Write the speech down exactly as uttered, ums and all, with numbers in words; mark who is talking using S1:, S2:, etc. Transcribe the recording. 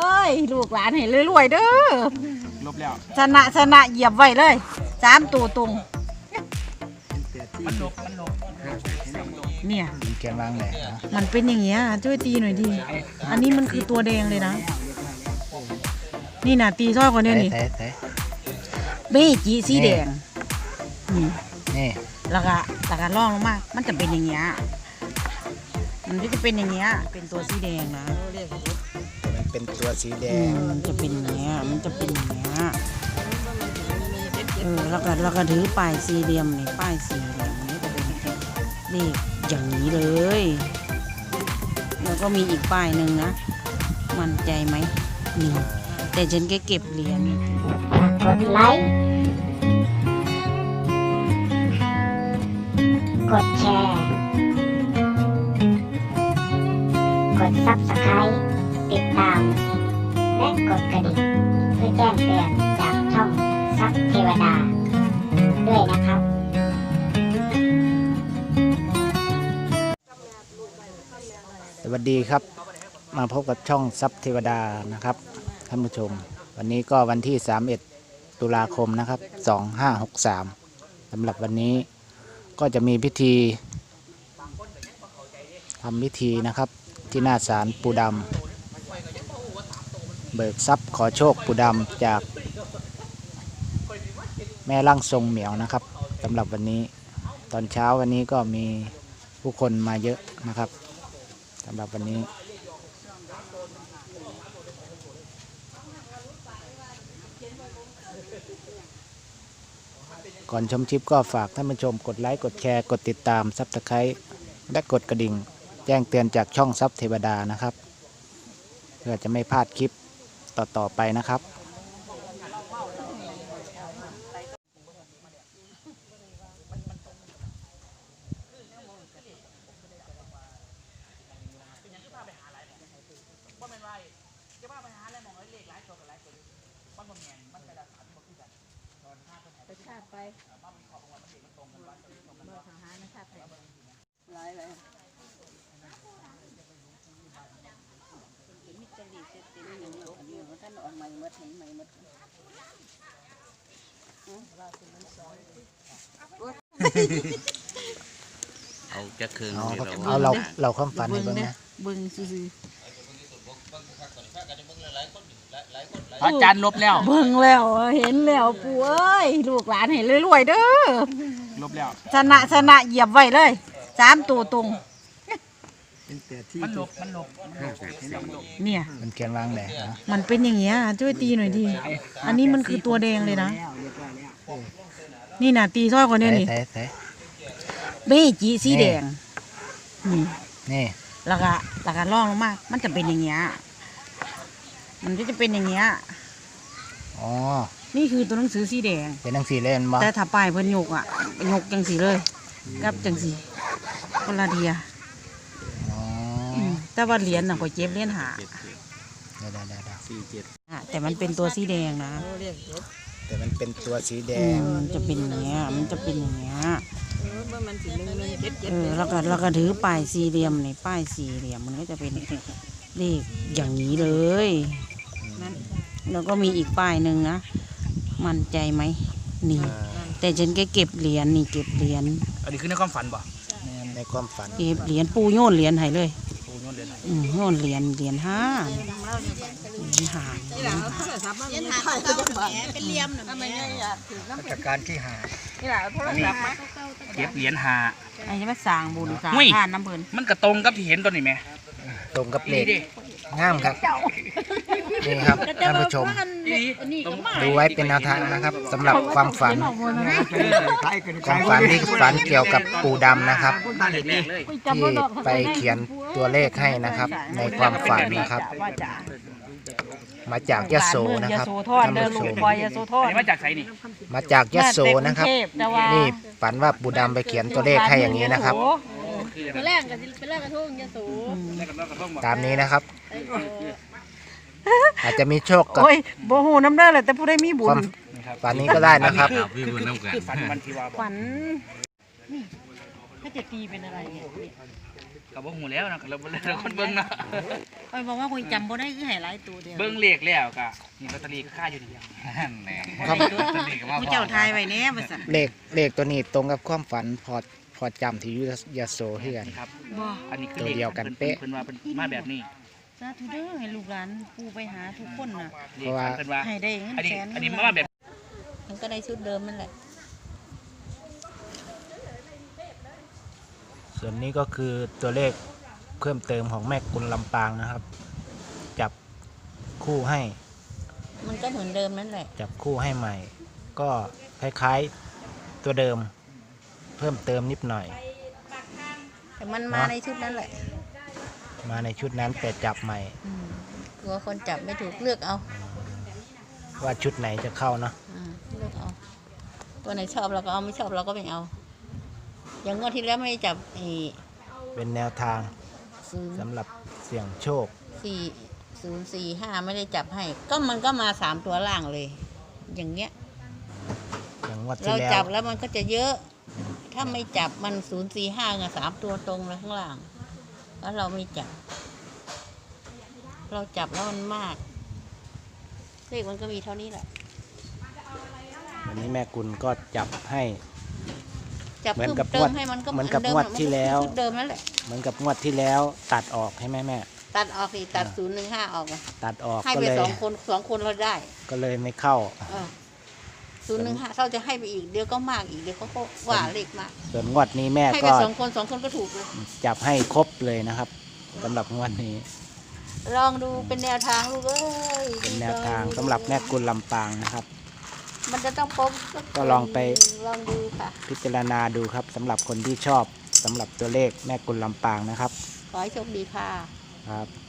S1: อ้ยลูกหลานให้รวยๆเด้อ
S2: ลบแล้ว
S1: ชนะชนะเหยียบไว้เลยสามตัวตรง
S2: มันลบมันลบ
S1: เนี่ย
S3: แกวางไหน
S1: มันเป็นอย่างเงี้ยช่วยตีหน่อยดิอันนี้มันคือตัวแดงเลยนะนี่น่ะตีซ้อยกว่านี้นี่เบ้จีสีแดงนี่
S3: นี่
S1: แล้วก็แล้วก็ล่องลงมามันจะเป็นอย่างเงี้ยมันก็จะเป็นอย่างเงี้ยเป็นตัวสีแดงนะ
S3: มันเป็นตัวสีแดง
S1: มันจะเป็นอย่างเงี้ยมันจะเป็นอย่างเงี้ยเออแล้วก็แล้วก็ถือป้ายสี่เหลี่ยมนี่ป้ายสี่เหลี่ยมนี่จะเป็นเลขอย่างนี้เลยแล้วก็มีอีกป้ายหนึ่งนะมั่นใจไหมนี่แต่ฉันแค่เก็บเหรียญ
S4: กดไลค์กดแชร์กดซับสไครต์ติดตามและกดกระดิ่งเพื่อแจ้งเตือนจากช่องซับเทวดาด้วยนะครับ
S3: สวัสดีครับมาพบกับช่องซับเทวดานะครับท่านผู้ชมวันนี้ก็วันที่สามสิบเอ็ดตุลาคมนะครับสองห้าหกสามสำหรับวันนี้ก็จะมีพิธีทำพิธีนะครับที่หน้าศาลปู่ดำเบิกทรัพย์ขอโชคปู่ดำจากแม่ร่างทรงเหมียวนะครับสำหรับวันนี้ตอนเช้าวันนี้ก็มีผู้คนมาเยอะนะครับสำหรับวันนี้ก่อนชมคลิปก็ฝากท่านผู้ชมกดไลค์กดแชร์กดติดตามซับสไครต์และกดกระดิ่งแจ้งเตือนจากช่องซับเทวดานะครับเพื่อจะไม่พลาดคลิปต่อๆไปนะครับ
S1: ไปชาติไปมาทางหานะชาติไปหลายเลยมิตรดีเสร็จตีนี่อย่างนี้อันนี้มันท่านออกใหม่หมดเห็นใหม่หมด
S5: เอาจะคืน
S3: เอาเราเราความฝันให้เบิ่งนะ
S1: เบิ่งซื่อ
S2: อาจารย์ลบแล้ว
S1: เบิ่งแล้วเห็นแล้วปู่เอ้ยลูกหลานให้รวยๆเด้อ
S2: ลบแล้ว
S1: ชนะชนะเหยียบไว้เลยสามตัวตรง
S2: มันลบมันลบ
S1: เนี่ย
S3: มันแกวางไหน
S1: มันเป็นอย่างเงี้ยช่วยตีหน่อยดิอันนี้มันคือตัวแดงเลยนะนี่น่ะตีซ้อยกว่านี้นี่เบ้จีสีแดงนี่
S3: นี่
S1: แล้วก็แล้วก็ล่องลงมามันจะเป็นอย่างเงี้ยมันก็จะเป็นอย่างเงี้ย
S3: อ๋อ
S1: นี่คือตัวหนังสือสีแดง
S3: เป็นหนังสือเล่นมั้ง
S1: แต่ถ้าป้ายเพิ่นยกอ่ะยกจังสีเลยกับจังสีคนละเดียแต่ว่าเหรียญน่ะก็เจ็บเหรียญหา
S3: ได้ได้ได้
S5: สี่เจ็ด
S1: แต่มันเป็นตัวสีแดงนะ
S3: แต่มันเป็นตัวสีแดง
S1: มันจะเป็นอย่างเงี้ยมันจะเป็นอย่างเงี้ยเออแล้วก็แล้วก็ถือป้ายสี่เหลี่ยมในป้ายสี่เหลี่ยมมันก็จะเป็นเลขอย่างนี้เลยแล้วก็มีอีกป้ายหนึ่งนะมั่นใจไหมนี่แต่ฉันแค่เก็บเหรียญนี่เก็บเหรียญ
S2: อันนี้คือในความฝันป่ะ
S3: ในความฝัน
S1: เก็บเหรียญปูโยนเหรียญให้เลยอืมโยนเหรียญเหรียญห้าเหรียญห้า
S5: เป็นเหลี่ยม
S3: จากการที่หา
S2: เก็บเหรียญหา
S1: ไอ้จะมาสร้างบุญสร้างทานน้ำเพลิน
S2: มันกระตรงกับที่เห็นตัวนี้ไหม
S3: ตรงกับเลขงามครับนี่ครับท่านผู้ชมดูไว้เป็นแนวทางนะครับสำหรับความฝันความฝันที่ฝันเกี่ยวกับปู่ดำนะครับที่ไปเขียนตัวเลขให้นะครับในความฝันนะครับมาจากยโสนะครับท่านผู้ชม
S2: มาจากไสนี่
S3: มาจากยโสนะครับนี่ฝันว่าปู่ดำไปเขียนตัวเลขให้อย่างนี้นะครับ
S4: แรกกันเป็นแรกกระทุ่งยาสู
S3: ตามนี้นะครับอาจจะมีโชคกับ
S1: โอ้ยโบหูน้ำเด้อเลยแต่ผู้ได้มีบุญ
S3: ฝันนี้ก็ได้นะครับ
S1: ฝันฝันนี่ถ้าจะตีเป็นอะไรเนี่ย
S2: กับว่าหูแล้วนะเราเราคนเบิ้งเนาะ
S1: คอยบอกว่าคอยจำบ่ได้คือให้หลายตัวเดียว
S2: เบิ้งเลขแล้วก็นี่ลอตเตอรี่ก็ค่าอยู่ดีเดียว
S5: แหน่
S3: ครับ
S5: ลอตเตอรี่ก็มา
S1: ผู้เจ้าทายไว้แน่บ่ซั่น
S3: เลขเลขตัวนี้ตรงกับความฝันพอพอจำที่อยุยโสเฮือน
S2: ครับ
S1: บ่
S2: อันนี้คือ
S3: ตัว
S2: เลข
S3: เดียวกันเป๊ะ
S2: เพิ่นว่าเพิ่นมาแบบนี้
S1: สาธุเด้อให้ลูกหลานปู่ไปหาทุกคนน่ะ
S2: เลขฝันเพิ่นว่า
S1: ให้ได้เงิน
S2: อันนี้
S1: แสน
S2: อันนี้มาแบบ
S1: มันก็ได้ชุดเดิมนั่นแหละ
S3: ส่วนนี้ก็คือตัวเลขเพิ่มเติมของแม่กุลลำปางนะครับ จับคู่ให้
S1: มันก็เหมือนเดิมนั่นแหละ
S3: จับคู่ให้ใหม่ ก็คล้ายๆตัวเดิม เพิ่มเติมนิดหน่อย
S1: แต่มันมาในชุดนั้นแหละ
S3: มาในชุดนั้นแต่จับใหม่
S1: อืมกลัวคนจับไม่ถูกเลือกเอา
S3: ว่าชุดไหนจะเข้าเนาะ
S1: อ่าเลือกเอา ตัวไหนชอบเราก็เอาไม่ชอบเราก็ไม่เอา อย่างงวดที่แล้วไม่ได้จับไอ้
S3: เป็นแนวทาง
S1: ศูนย์
S3: สำหรับเสี่ยงโชค
S1: สี่ศูนย์สี่ห้าไม่ได้จับให้ ก็มันก็มาสามตัวล่างเลย อย่างเงี้ย
S3: อย่างงวดที่
S1: เรา
S3: แล้ว
S1: จับแล้วมันก็จะเยอะ ถ้าไม่จับมันศูนย์สี่ห้าไงสามตัวตรงเลยข้างล่าง แล้วเราไม่จับ เราจับแล้วมันมากเลขมันก็มีเท่านี้แหละ
S3: วันนี้แม่กุลก็จับให้
S1: จับ
S3: เหมือน
S1: เพิ่ม
S3: กับ
S1: เติ
S3: งว
S1: ม
S3: ด
S1: ให้มันก็
S3: เหมือนกับ
S1: ดิ
S3: งวดที่แล้ว
S1: มันก็คือชุดเดิมนั่นแหละ
S3: เหมือนกับงวดที่แล้วตัดออกให้แม่แม่
S1: ตัดออกสิตัดศูนย์หนึ่งห้าออกอะ
S3: ตัดออก
S1: ให้
S3: ก็
S1: ไป
S3: เลย
S1: สองคนสองคนเราได้
S3: ก็เลยไม่เข้า
S1: ศูนย์หนึ่งห้าเราจะให้ไปอีกเดี๋ยวก็มากอีกเดี๋ยวเขาก็ว่าเลขมาก
S3: ส่วนงวดนี้แม่
S1: ให้ไป
S3: ก็
S1: สองคนสองคนก็ถูกเลย
S3: จับให้ครบเลยนะครับสำหรับงวดนี้
S1: ลองดูเป็นแนวทางลูกเอ้ย
S3: เป็นแนวทางสำหรับแม่กุลลำปางนะครับ
S1: มันจะต้องป๊บ
S3: ก็ลองไป
S1: ลองดูค่ะ
S3: พิจารณาดูครับสำหรับคนที่ชอบสำหรับตัวเลขแม่กุลลำปางนะครับ
S1: ขอให้โชคดีค่ะ
S3: ครับ